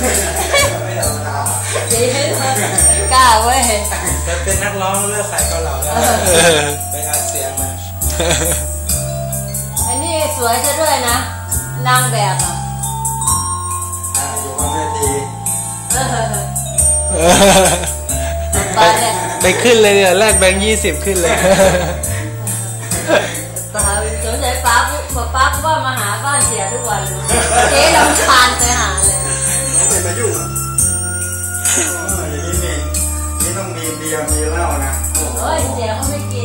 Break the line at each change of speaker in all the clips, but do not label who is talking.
ไม่ธรรมดา
ดีกล้าเว้ย
จะเป็นนักร้องเลือกขายเกาเหลาแล้วไปอัดเสียงมา
อันนี้สวยซะด้วยนะนางแบบอ่ะ
อยู่บนเวที
ไปขึ้นเลยเนี่ยแลกแบงค์20ขึ้นเลย
ป้าสงสัยป้าว่ามาหาบ้านเสียทุกวันเลยเจ๊ลำคาญไปหาเลย
น้องเป็นมายุ่งอย่างนี้นี่ต้องมีเบียร์มีเหล้านะ
โอ้ยเสียเขาไม่กิน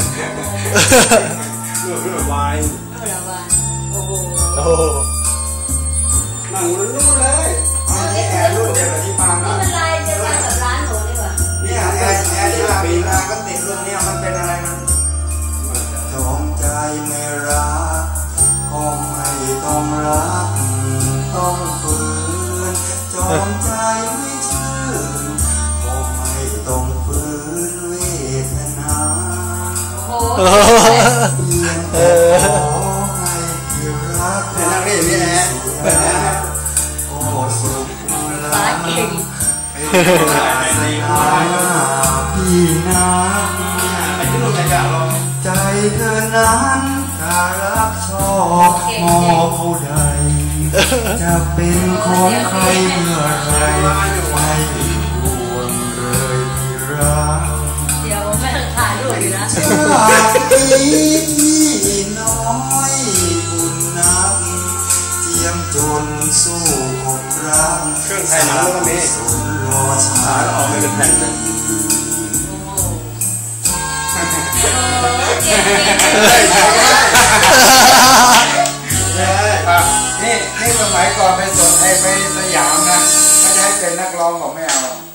เลือดวาย
โอ้โห
หนังมันรู้เลยนี่แอร์รูปเดียวกับที่ฟัง
นี่มันลายจะมากับร้านหนูดีกว่า
เนี่ยแอร์ที่เราปีนาก็ติดรุ่นเนี่ยมันเป็นอะไรมันจงใจไม่รักก็ไม่ต้องรักต้องฝืนจงใจไม่ชื่นก็ไม่ต้องฝืนเวทนาเพียงแต่ขอให้ที่รักนั่งนี่นี่แหละโอ้สุขล้ำเป็นในอาพี่นาใจเธอนั้นถ้ารักชอบมองผู้ใดจะเป็นของใครเมื่อไรไม่ห่วงเลยที่รัก
เดี๋ยวแม่ถ่ายรูปอยู่นะ
ชาตินี้ที่น้อยบุญนักเจียมจนสู้อกรักเครื่องไทยหนังก็มีสุนรอชาแล้วออกไม่เป็นแผ่นเลยนี่สมัยก่อนไปสดไปสยามนะก็จะให้เป็นนักร้องบอกไม่เอา